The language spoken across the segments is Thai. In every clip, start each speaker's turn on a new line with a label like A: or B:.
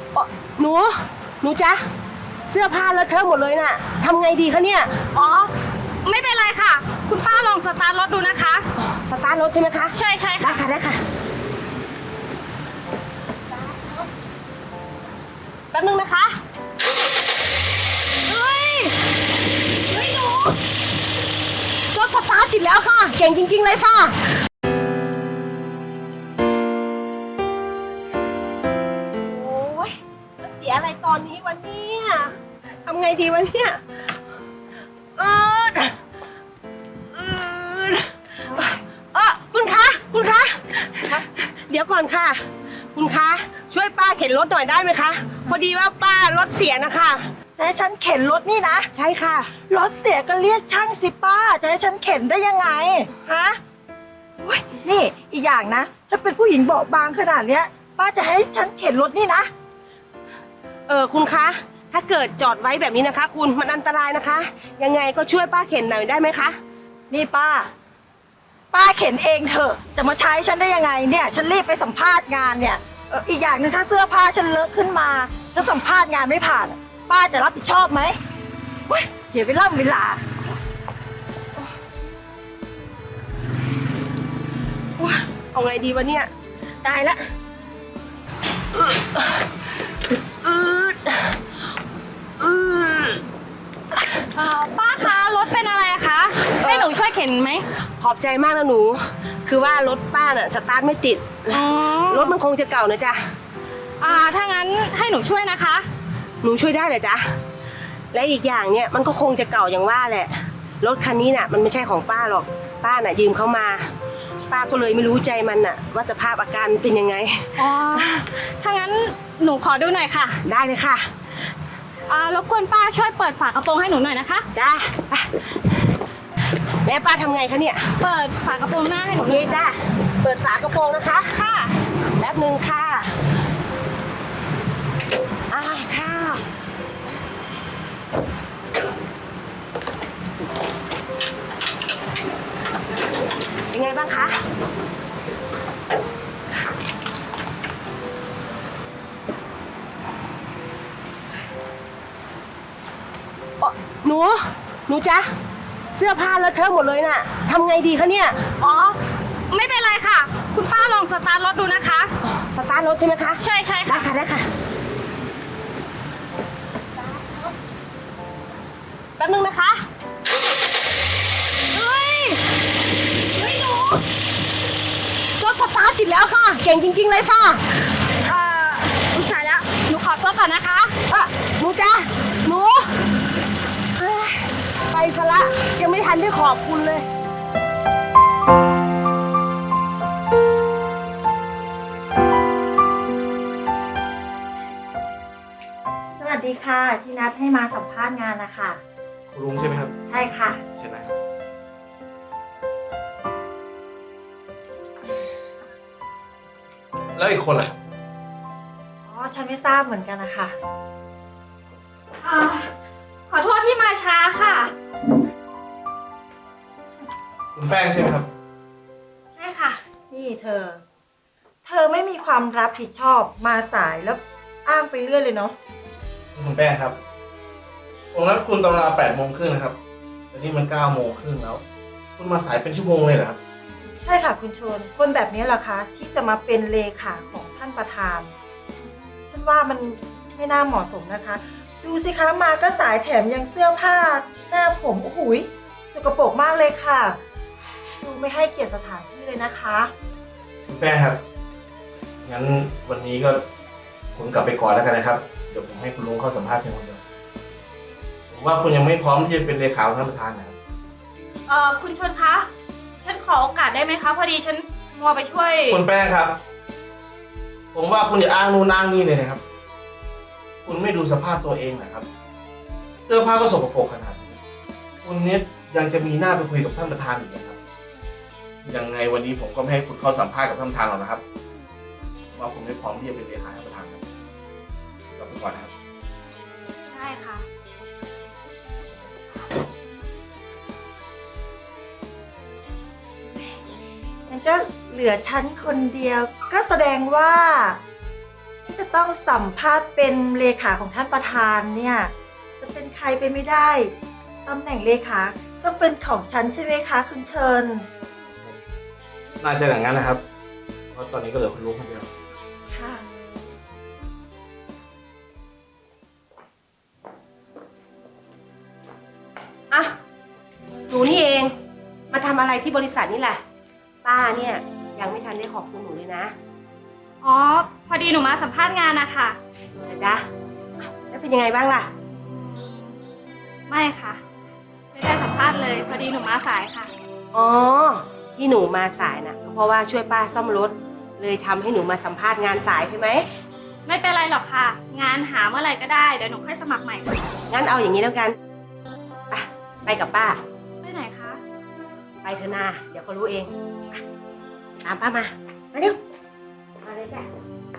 A: หนูหนูจ๊ะเสื้อผ้าเลอะเทอะหมดเลยน่ะทำไงดีคะเนี่ย
B: อ๋อไม่เป็นไรค่ะคุณป้าลองสตาร์ทรถดูนะคะ
A: สตาร์ทรถใช่ไหมคะ
B: ใช่
A: ได้
B: ค่ะ
A: ค่ะได้ค่ะแป๊บนึงนะคะเฮ้ยหนูรถสตาร์ทติดแล้วค่ะเก่งจริงๆเลยค่ะโอ้ยมาเสียอะไรตอนนี้วันนี้ทำไงดีวะเนี่ยคุณคะเดี๋ยวก่อนค่ะคุณคะช่วยป้าเข็นรถหน่อยได้ไหมคะพอดีว่าป้ารถเสียนะคะ
C: จะให้ฉันเข็นรถนี่นะ
A: ใช่ค่ะ
C: รถเสียก็เรียกช่างสิป้าจะให้ฉันเข็นได้ยังไงฮะนี่อีกอย่างนะฉันเป็นผู้หญิงเบาบางขนาดเนี้ยป้าจะให้ฉันเข็นรถนี่นะ
A: คุณคะถ้าเกิดจอดไว้แบบนี้นะคะคุณมันอันตรายนะคะยังไงก็ช่วยป้าเข็นหน่อยได้ไหมคะ
C: นี่ป้าเข็นเองเถอะจะมาใช้ฉันได้ยังไงเนี่ยฉันรีบไปสัมภาษณ์งานเนี่ยอีกอย่างหนึ่งถ้าเสื้อผ้าฉันเลอะขึ้นมาฉันสัมภาษณ์งานไม่ผ่านป้าจะรับผิดชอบไหมเสียเวลา
A: เอาไงดีวะเนี่ยตายละ
B: ป้าคะรถเป็นอะไรคะให้หนูช่วยเข็นไหม
A: ขอบใจมากนะหนูคือว่ารถป้าน่ะสตาร์ทไม่ติดรถมันคงจะเก่านะจ๊ะ
B: ถ้างั้นให้หนูช่วยนะคะ
A: หนูช่วยได้เหรอจ๊ะและอีกอย่างเนี่ยมันก็คงจะเก่าอย่างว่าแหละรถคันนี้น่ะมันไม่ใช่ของป้าหรอกป้าน่ะยืมเขามาป้าก็เลยไม่รู้ใจมันน่ะว่าสภาพอาการเป็นยังไง
B: ถ้างั้นหนูขอดูหน่อยค่ะ
A: ได้เลยค่ะ
B: รบกวนป้าช่วยเปิดฝากระโปรงให้หนูหน่อยนะคะ
A: จ้าแล้วป้าทำไงคะเนี่ย
B: เปิดฝากระโปรงหน้าให้หนู
A: โอเคจ้าเปิดฝากระโปรงนะคะ
B: ค่ะ
A: แป๊บนึงค่ะค่ะเป็นไงบ้างคะหนูจ๊ะเสื้อผ้าเลอะเทอะหมดเลยน่ะทำไงดีคะเนี่ย
B: ไม่เป็นไรค่ะคุณป้าลองสตาร์ทรถดูนะคะ
A: สตาร์ทรถใช่ไหมคะ
B: ใช่ค่ะ
A: ได้ค่ะแป๊บนึงนะคะเฮ้ยหนูรถสตาร์ทติดแล้วค่ะเก่งจริงๆเลยค่ะ
B: อุตส่าห์แล้วหนูขอตัวก่อนนะคะ
A: หนูจ๊ะหนูไปซะละยังไม่ทันได้ขอบคุณเลย
C: สวัสดีค่ะที่นัดให้มาสัมภาษณ์งานนะคะ
D: คุณลุงใช่ไหมครับ
C: ใช่ค่ะ
D: ใช่ไหมแล้วอีกคนล่ะ
C: ฉันไม่ทราบเหมือนกันนะคะ
B: ขอโทษที่มาช้าค่ะ
D: คุณแป้งใช่ไหมครับ
B: ใช่ค่ะ
C: นี่เธอไม่มีความรับผิดชอบมาสายแล้วอ้างไปเรื่อยเลยเนาะ
D: คุณแป้งครับผมนัดคุณตอนเวลา8:30นะครับแต่นี่มัน9:30แล้วคุณมาสายเป็นชั่วโมงเลยเหรอครับ
C: ใช่ค่ะคุณชนคนแบบนี้เหรอคะที่จะมาเป็นเลขาของท่านประธานฉันว่ามันไม่น่าเหมาะสมนะคะดูสิคะมาก็สายแถมยังเสื้อผ้าหน้าผมโอ้โหสกปรกมากเลยค่ะดูไม่ให้เกียรติสถานที่เลยนะคะ
D: คุณแป้งครับงั้นวันนี้ก็คุณกลับไปก่อนแล้วกันนะครับเดี๋ยวผมให้คุณลุงเข้าสัมภาษณ์เพียงคนเดียวผมว่าคุณยังไม่พร้อมที่จะเป็นเลขาของท่านประธานนะครับ
B: คุณชนคะฉันขอโอกาสได้ไหมคะพอดีฉันมัวไปช่วย
D: คุณแป้งครับผมว่าคุณอย่าอ้างนู่นอ้างนี่เลยนะครับคุณไม่ดูสภาพตัวเองนะครับเสื้อผ้าก็สกปรกขนาดนี้คุณนี้ยังจะมีหน้าไปคุยกับท่านประธานอีกนะครับยังไงวันนี้ผมก็ไม่ให้คุณเข้าสัมภาษณ์กับท่านประธานหรอกนะครับว่าคุณไม่พร้อมที่จะเป็นเลขาท่านประธานครับกลับไปก่อนนะครับ
B: ได้ค่ะ
C: งั้นก็เหลือฉันคนเดียวก็แสดงว่าที่จะต้องสัมภาษณ์เป็นเลขาของท่านประธานเนี่ยจะเป็นใครไปไม่ได้ตำแหน่งเลขาต้องเป็นของฉันใช่ไหมคะคุณเชิญ
D: น่าจะอย่างนั้นนะครับ เพราะตอนนี้ก็เหลือคุณลุงคนเดียว
C: ค่ะ
A: อ่ะหนูนี่เองมาทำอะไรที่บริษัทนี่แหละป้าเนี่ยยังไม่ทันได้ขอบคุณหนูเลยนะ
B: อ๋อ พอดีหนูมาสัมภาษณ์งานนะคะ
A: นะจ๊ะแล้วเป็นยังไงบ้างล่ะ
B: ไม่ค่ะ ไม่ได้สัมภาษณ์เลย พอดีหนูมาสายค่ะ
A: อ๋อที่หนูมาสายน่ะก็เพราะว่าช่วยป้าซ่อมรถเลยทำให้หนูมาสัมภาษณ์งานสายใช่ไหม
B: ไม่เป็นไรหรอกค่ะ งานหาเมื่อไหร่ก็ได้ เดี๋ยวหนูค่อยสมัครใหม่ค่ะ
A: งั้นเอาอย่างนี้แล้วกันไปกับป้า
B: ไปไหนคะ
A: ไปเถอะนาเดี๋ยวเขารู้เองไปตามป้ามาเร็วมาเลยจ้ะ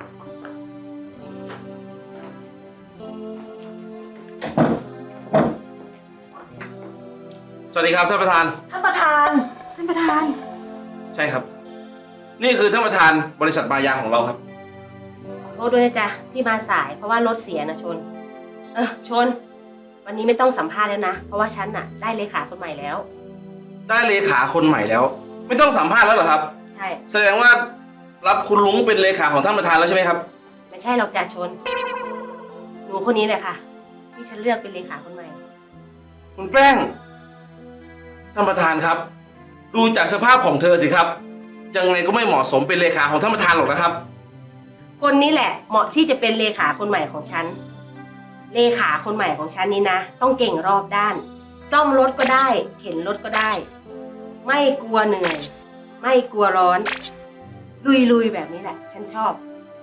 D: สวัสดีครับท่านประธาน
C: ท่านประธาน
B: ท่านประธาน
D: ใช่ครับ นี่คือท่านประธานบริษัทมายางของเราครับ
A: ขอโทษด้วยนะจ๊ะที่มาสายเพราะว่ารถเสียนะชน ชน วันนี้ไม่ต้องสัมภาษณ์แล้วนะ เพราะว่าฉันน่ะได้เลขาคนใหม่แล้ว
D: ได้เลขาคนใหม่แล้ว ไม่ต้องสัมภาษณ์แล้วเหรอครับ
A: ใช่
D: แสดงว่ารับคุณลุงเป็นเลขาของท่านประธานแล้วใช่ไหมครับ
A: ไม่ใช่หรอกจ้ะชน หนูคนนี้แหละค่ะ ที่ฉันเลือกเป็นเลขาคนใหม่
D: คุณแป้ง ท่านประธานครับ ดูจากสภาพของเธอสิครับ ยังไงก็ไม่เหมาะสมเป็นเลขาของท่านประธานหรอกนะครับ
A: คนนี้แหละเหมาะที่จะเป็นเลขาคนใหม่ของฉัน เลขาคนใหม่ของฉันนี่นะ ต้องเก่งรอบด้าน ซ่อมรถก็ได้ เข็นรถก็ได้ ไม่กลัวเหนื่อย ไม่กลัวร้อน ลุยๆแบบนี้แหละ ฉันชอบ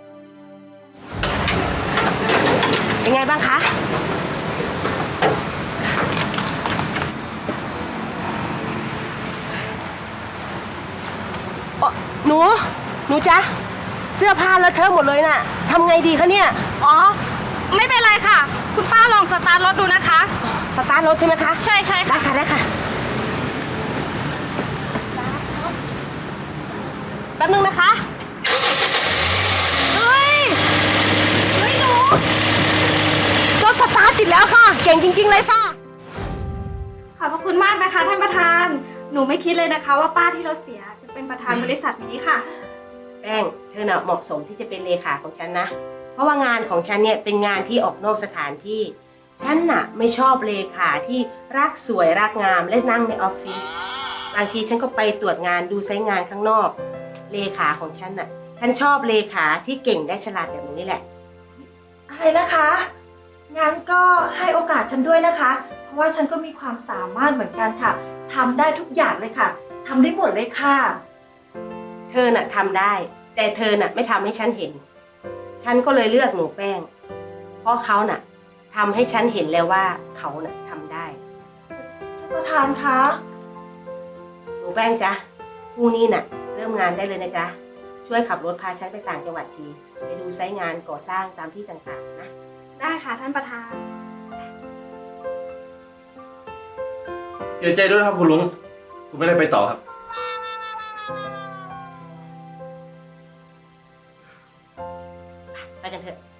A: เป็นไงบ้างคะ หนูจ๊ะ เสื้อผ้าเลอะเทอะหมดเลยน่ะทำไงดีคะเนี่ย
B: อ๋อ ไม่เป็นไรค่ะ คุณป้าลองสตาร์ทรถดูนะคะ
A: สตาร์ทรถใช่ไหมคะ
B: ใช่ใช่
A: ได้
B: ค่ะ
A: ค่ะได้ค่ะแป๊บนึงนะคะ เฮ้ยหนูรถสตาร์ทติดแล้วค่ะ เก่งจริงๆเลยค่ะ
B: ขอบพระคุณมากนะคะท่านประธาน หนูไม่คิดเลยนะคะว่าป้าที่รถเสียจะเป็นประธานบริษัทนี้ค่ะ
A: แป้งเธอน่ะเหมาะสมที่จะเป็นเลขาของฉันนะ เพราะว่างานของฉันเนี่ยเป็นงานที่ออกนอกสถานที่ ฉันน่ะไม่ชอบเลขาที่รักสวยรักงามและนั่งในออฟฟิศ บางทีฉันก็ไปตรวจงานดูไซต์งานข้างนอก เลขาของฉันน่ะ ฉันชอบเลขาที่เก่งได้ฉลาดแบบนี้แหละ
C: อะไรนะคะงั้นก็ให้โอกาสฉันด้วยนะคะ เพราะว่าฉันก็มีความสามารถเหมือนกันค่ะทำได้ทุกอย่างเลยค่ะทำได้หมดเลยค่ะ
A: เธอน่ะทำได้ แต่เธอน่ะไม่ทำให้ฉันเห็น ฉันก็เลยเลือกหนูแป้ง เพราะเขาน่ะทำให้ฉันเห็นแล้วว่าเขาน่ะทำได้
C: ท่านประธานคะ
A: หนูแป้งจ๊ะพรุ่งนี้น่ะ เริ่มงานได้เลยนะจ๊ะ ช่วยขับรถพาฉันไปต่างจังหวัดที ไปดูไซต์งานก่อสร้างตามที่ต่างๆนะ
B: ได้ค่ะท่านประธาน
D: เสียใจด้วยนะครับคุณลุง คุณไม่ได้ไปต่อครับ
A: ไปกันเถอะ